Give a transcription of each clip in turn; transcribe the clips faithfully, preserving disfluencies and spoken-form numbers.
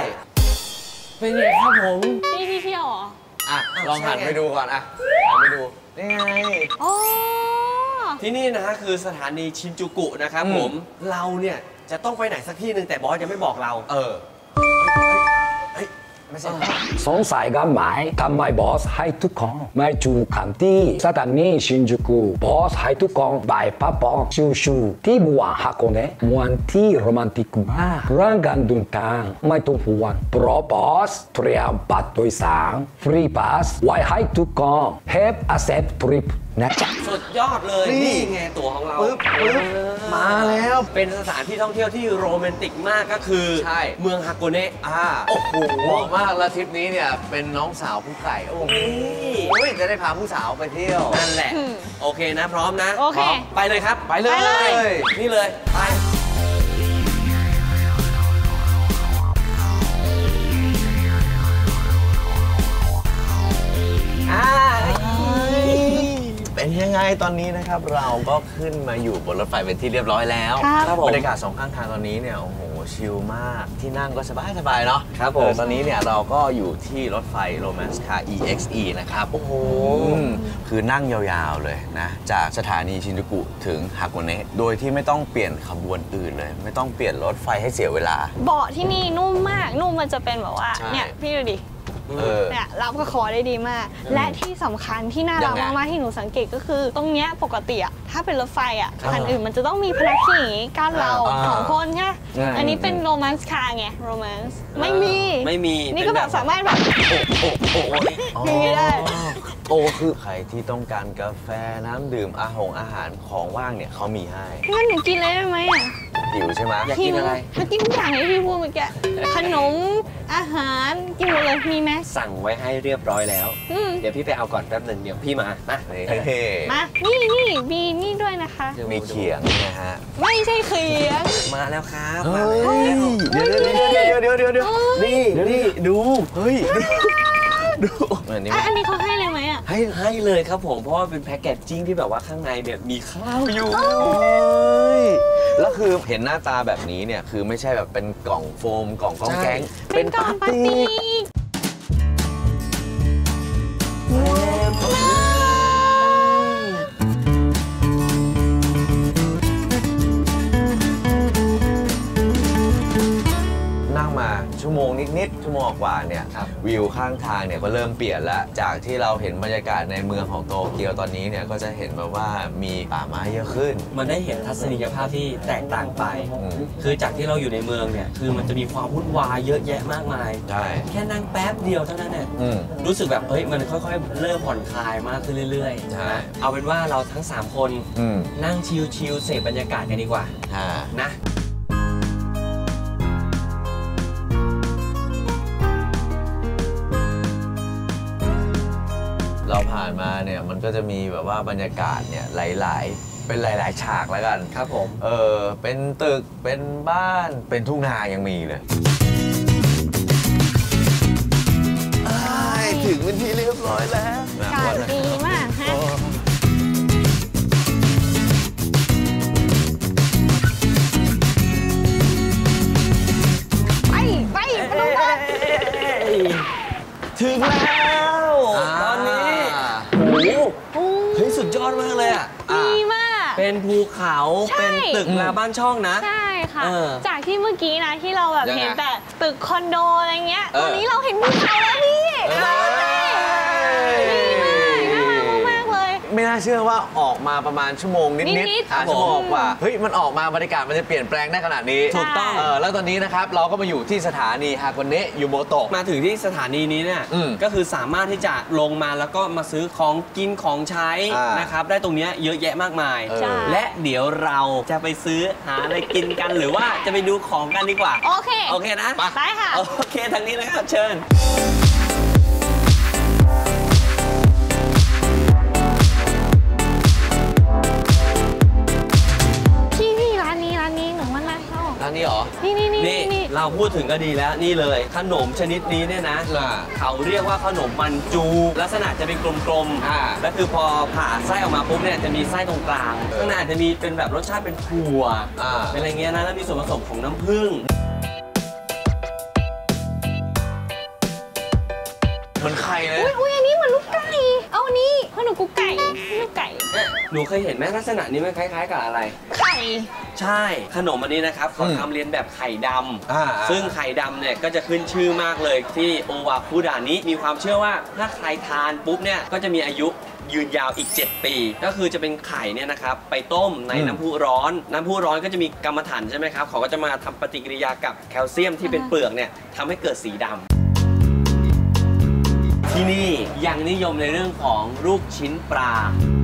เป็นไงครับผมนี่ที่เที่ยวเหรออ่ะลองหันไปดูก่อนอ่ะหันไปดูนี่ไงโอ้ที่นี่นะฮะคือสถานีชินจูกุนะครับผมเราเนี่ยจะต้องไปไหนสักที่หนึ่งแต่บอสยังไม่บอกเราเออไม่ใช่สงสัยกันไหมทำไมบอสให้ทุกคนไม่จูกันที่สถานีชินจูกุบอสให้ทุกคนไปพักผ่อนชิวๆที่เมืองฮาโกเนะเมืองที่โรแมนติกมากเรื่องการเดินทางไม่ต้องห่วงเพราะบอสเตรียมบัตรโดยสารฟรีพาสไว้ให้ทุกคน Have a safe trip นะจ๊ะสุดยอดเลยนี่ไงตั๋วของเราปึ๊บปึ๊บมาแล้วเป็นสถานที่ท่องเที่ยวที่โรแมนติกมากก็คือใช่เมืองฮาโกเนะอ่าโอ้โหเหมาะมากแล้วทริปนี้เนี่ยเป็นน้องสาวผู้ไก่โอ้โหนี่โอ้ยจะได้พาผู้สาวไปเที่ยวนั่นแหละ โอเคนะพร้อมนะโอเคพร้มไปเลยครับไปเลยไปเลยนี่เลยไปอ่าเป็นยังไงตอนนี้นะครับเราก็ขึ้นมาอยู่บนรถไฟเป็นที่เรียบร้อยแล้วครับบรรยากาศสองข้างทางตอนนี้เนี่ยโอ้โหชิลมากที่นั่งก็สบายสบายๆเนาะครับผมเออตอนนี้เนี่ยเราก็อยู่ที่รถไฟ Romance Car อี เอ็กซ์ อี นะครับโอ้โหคือนั่งยาวๆเลยนะจากสถานีชินจูกุถึงฮาโกเนะโดยที่ไม่ต้องเปลี่ยนขบวนอื่นเลย ไม่ต้องเปลี่ยนรถไฟให้เสียเวลาเบาะที่นี่นุ่มมาก นุ่มมันจะเป็นแบบว่าใช่เนี่ยพี่ดูดิเออเนี่ยรับกับคอได้ดีมาก และที่สำคัญที่น่ารักยังไงมากๆที่หนูสังเกตก็คือ ตรงเนี้ยปกติอะถ้าเป็นรถไฟอะอ่าคันอื่นมันจะต้องมีพนักขี่อย่างงี้กั้นเราอ่าสองคนใช่ไหมใช่อันนี้เป็นโรแมนส์คาร์ไงโรแมนส์ไม่มีไม่มีนี่ก็แบบสามารถแบบโอ้โหอย่างนี้ได้โอ้คือใครที่ต้องการกาแฟน้ำดื่มอาหงอาหารของว่างเนี่ยเขามีให้งั้นหนูกินเลยได้ไหมอะหิวใช่ไหมอยากกินอะไรถ้ากินทุกอย่างที่พี่พูดเมื่อกี้ขนมอาหารกินหมดเลยมีไหมสั่งไว้ให้เรียบร้อยแล้วอืมเดี๋ยวพี่ไปเอาก่อนแป๊บหนึงเดี๋ยวพี่มามาเฮ้มา นี่นี่มีนี่ด้วยนะคะมีเขียงนะฮะไม่ใช่เขียงมาแล้วครับเฮ้ยเดี๋ยวเดี๋ยวเดี๋ยวเดี๋ยวเดี๋ยวเดี๋ยวนี่นี่ดูเฮ้ยดูอันนี้อ่ะอันนี้เขาให้เลยไหมอ่ะให้ให้เลยครับผมเพราะว่าเป็นแพ็กเกจจิ้งที่แบบว่าข้างในเนี่ยมีข้าวอยู่แล้วคือเห็นหน้าตาแบบนี้เนี่ยคือไม่ใช่แบบเป็นกล่องโฟมกล่องกองแก๊งเป็นกล่องพลาสติกนั่งมาชั่วโมงนิดๆชั่วโมงกว่าเนี่ยวิวข้างทางเนี่ยก็เริ่มเปลี่ยนแล้วจากที่เราเห็นบรรยากาศในเมืองของโตเกียวตอนนี้เนี่ยก็จะเห็นแบบว่ามีป่าไม้เยอะขึ้นมันได้เห็นทัศนียภาพที่แตกต่างไปอืมคือจากที่เราอยู่ในเมืองเนี่ยคือมันจะมีความวุ่นวายเยอะแยะมากมายใช่แค่นั่งแป๊บเดียวเท่านั้นเนี่ยอืมรู้สึกแบบเฮ้ยมันค่อยๆ เริ่มผ่อนคลายมากขึ้นเรื่อยใช่ๆนะเอาเป็นว่าเราทั้งสามคนอืมนั่งชิลๆเสพบรรยากาศกันดีกว่าอ่านะเราผ่านมาเนี่ยมันก็จะมีแบบว่าบรรยากาศเนี่ยหลายๆ เป็นหลายๆ ฉากแล้วกันครับผมเออเป็นตึกเป็นบ้านเป็นทุ่งนายังมีเลยถึงเป็นที่เรียบร้อยแล้วอากาศดีมากฮะไปไปไปลงมาถึงแล้วตอนนี้โอ้โหโอ้เฮ้ยสุดยอดมากเลยอ่ะดีมากเป็นภูเขาใช่เป็นตึกราบ้านช่องนะใช่ค่ะเออจากที่เมื่อกี้นะที่เราแบบยังไงเห็นแต่ตึกคอนโดอะไรเงี้ยเออตอนนี้เราเห็นภูเขาแล้วพี่เออดีมากน่ารักมากๆเลยไม่น่าเชื่อว่าออกมาประมาณชั่วโมงนิดนิดๆๆอ่ะชั่วโมงกว่าเฮ้ยมันออกมาบรรยากาศมันจะเปลี่ยนแปลงได้ขนาดนี้ถูกต้องเออแล้วตอนนี้นะครับเราก็มาอยู่ที่สถานีฮากอนเนะยูโมโตะมาถึงที่สถานีนี้เนี่ยอืมก็คือสามารถที่จะลงมาแล้วก็มาซื้อของกินของใช้อ่านนะครับได้ตรงเนี้ยเยอะแยะมากมายใช่และเดี๋ยวเราจะไปซื้อหาอะไรกินกันหรือว่าจะไปดูของกันดีกว่าโอเคโอเคนะไปค่ะโอเคทางนี้นะครับเชิญพี่พี่ร้านนี้ร้านนี้หนูว่าน่าเข้าร้านนี้เหรอนี่นี่นี่นี่นี่เราพูดถึงก็ดีแล้วนี่เลยขนมชนิดนี้เนี่ยนะอ่าเขาเรียกว่าขนมมันจู ลักษณะจะเป็นกลมอ่าๆแล้วคือพอผ่าไส้ออกมาปุ๊บเนี่ยจะมีไส้ตรงกลางข้างในอาจจะมีเป็นแบบรสชาติเป็นถั่วอ่าเป็นอะไรเงี้ยนะแล้วมีส่วนผสมของน้ำผึ้งมันไข่เลยอุ้ยอุ้ยอันนี้เหมือนลูกไก่ เอาอันนี้เพราะหนูกุ๊กไก่ลูกไก่เอ๊ะหนูเคยเห็นไหมลักษณะนี้มันคล้ายๆ กับอะไรไข่ใช่ขนมอันนี้นะครับเขาอืมทำเรียนแบบไข่ดอ่าำซึ่งไข่ดำเนี่ยก็จะขึ้นชื่อมากเลยที่โอวาคุดานิมีความเชื่อว่าถ้าใครทานปุ๊บเนี่ยก็จะมีอายุยืนยาวอีก เจ็ด ปี ก็คือจะเป็นไข่เนี่ยนะครับไปต้มในอืมน้ำพุร้อน น้ำพุร้อนก็จะมีกรรมฐานใช่ไหมครับเขาก็จะมาทำปฏิกิริยากับแคลเซียมที่เป็นเปลือกเนี่ยทำให้เกิดสีดำที่นี่ยังนิยมในเรื่องของลูกชิ้นปลา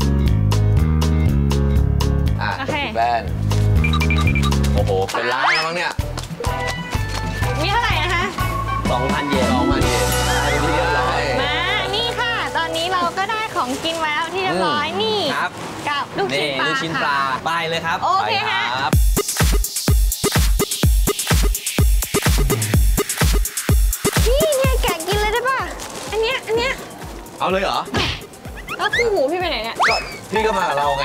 อ่ะโอเคแบนโอ้โห เป็นร้านแล้วมั้งเนี่ยมีเท่าไหร่นะคะสองพัน เยนลองมาดิได้ไปที่เรียบร้อยมา นี่ค่ะ ตอนนี้เราก็ได้ของกินมาแล้วที่เรียบร้อย นี่ครับกับลูกชิ้นี่นปลาลูกชิ้นปลาค่ะไปเลยครับโอเคไปฮะครับพี่เนี่ยแกะกินเลยได้ป่ะ อันเนี้ย อันเนี้ยเอาเลยเหรอแล้วคู่หูพี่ไปไหนเนี่ยก็พี่ก็มากับเราไง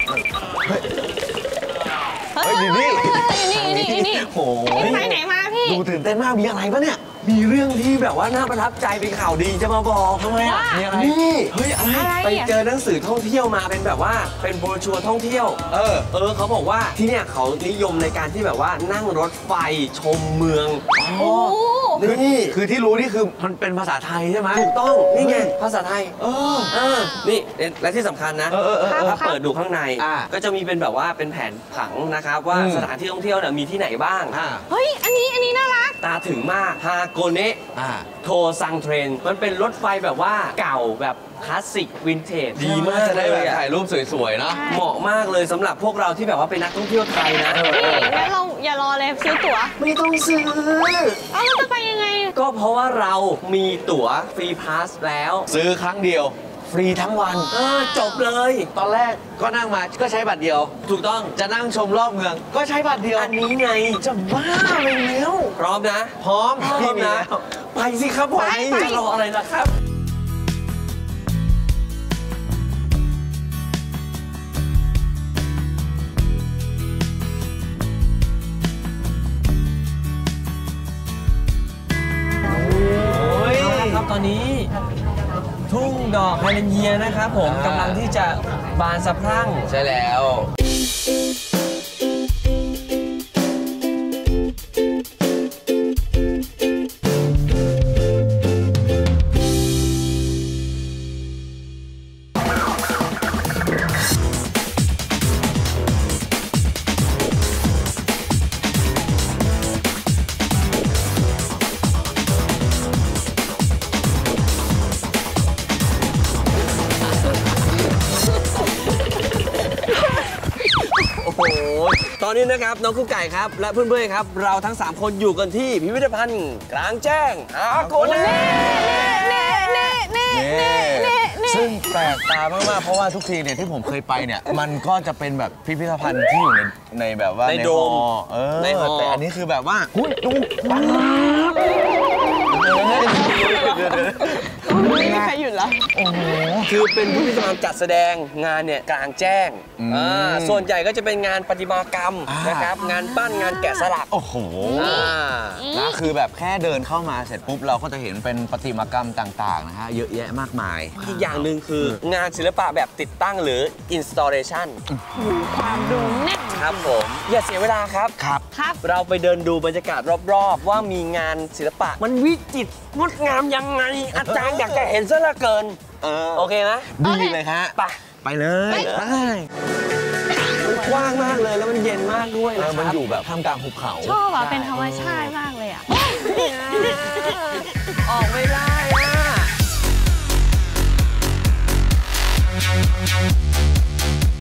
เฮ้ยอยู่นี่อยู่นี่อยู่นี่อยู่นี่โอ้โหพี่ไปไหนมาพี่ดูตื่นเต้นมาก มีอะไรปะเนี่ยมีเรื่องที่แบบว่าน่าประทับใจเป็นข่าวดีจะมาบอกทำไมอ่ะว่ามีอะไรนี่เฮ้ยอะไรอะไรอ่ะไปเจอหนังสือท่องเที่ยวมาเป็นแบบว่าเป็นโบรชัวร์ท่องเที่ยวเออเออเขาบอกว่าที่เนี่ยเขานิยมในการที่แบบว่านั่งรถไฟชมเมืองโอ้นี่คือที่รู้นี่คือมันเป็นภาษาไทยใช่ไหมถูกต้องนี่ไงภาษาไทยเออเออนี่และที่สำคัญนะเออเออเออถ้าเปิดดูข้างในอ่าก็จะมีเป็นแบบว่าเป็นแผนผังนะครับว่าอืมสถานที่ท่องเที่ยวเนี่ยมีที่ไหนบ้างอ่าเฮ้ย อันนี้ อันนี้น่ารักตาถึงมากฮาโกเนะอ่าโทซังเทรนมันเป็นรถไฟแบบว่าเก่าแบบคลาสสิกวินเทจดีมากจะได้เลแบบยอะถ่ายรูปสวยๆเนาะเหมาะมากเลยสำหรับพวกเราที่แบบว่าเป็นนักท่องเที่ยวไทยนะพี่งั้นเราอย่ารอเลยซื้อตั๋วไม่ต้องซื้อเอาเราจะไปยังไงก็เพราะว่าเรามีตั๋วฟรีพาสแล้วซื้อครั้งเดียว ฟรีทั้งวันเออจบเลยตอนแรกก็นั่งมาก็ใช้บัตรเดียวถูกต้องจะนั่งชมรอบเมือง ก็ใช้บัตรเดียวอันนี้ไงจะบ้าไปแล้วพร้อมนะพร้อมพร้อมนะแล้วไปสิครับผมไปไปจะรออะไรล่ะครับ โอ้ยครับตอนนี้ ทุ่งดอกไฮเลนเยียนะครับผมอ่ากำลังที่จะบานสะพรั่งใช่แล้วโอ้โห ตอนนี้นะครับน้องกุ๊กไก่ครับ และเพื่อนๆครับ เราทั้ง สาม คนอยู่กันที่พิพิธภัณฑ์กลางแจ้งฮาโกเน่เน่เน่เน่เน่เน่เน่ซึ่งแปลกตามากๆ เพราะว่าทุกทีเนี่ยที่ผมเคยไปเนี่ย มันก็จะเป็นแบบพิพิธภัณฑ์ที่อยู่ในในแบบว่าในโดมฮอลล์เออในฮอลล์แต่อันนี้คือแบบว่าหุ้ยดูปังไม่มีใครหยุดแล้วคือเป็นพิพิธภัณฑ์จัดแสดงงานเนี่ยกลางแจ้งอ่าส่วนใหญ่ก็จะเป็นงานประติมากรรมนะครับ งานปั้นงานแกะสลักโอ้โหอ่านะคือแบบแค่เดินเข้ามาเสร็จปุ๊บเราก็จะเห็นเป็นประติมากรรมต่างๆนะฮะเยอะแยะมากมายอีกอย่างหนึ่งคืองานศิลปะแบบติดตั้งหรือ installation ความดูแน่นครับผมอย่าเสียเวลาครับครับครับเราไปเดินดูบรรยากาศรอบๆ ว่ามีงานศิลปะ มันวิจิตรงดงามยังไง อาจารย์อยากจะเห็นซะเหลือเกินเออโอเคไหมดีเลยฮะไปไปเลยไปมันกว้างมากเลยแล้วมันเย็นมากด้วยเอนะอคมันรับอยู่แบบท่ามกลางภูเขาชอบอ่ะ เป็นธรรมชาติมากเลยอ่ะออกไม่ได้อ่ะ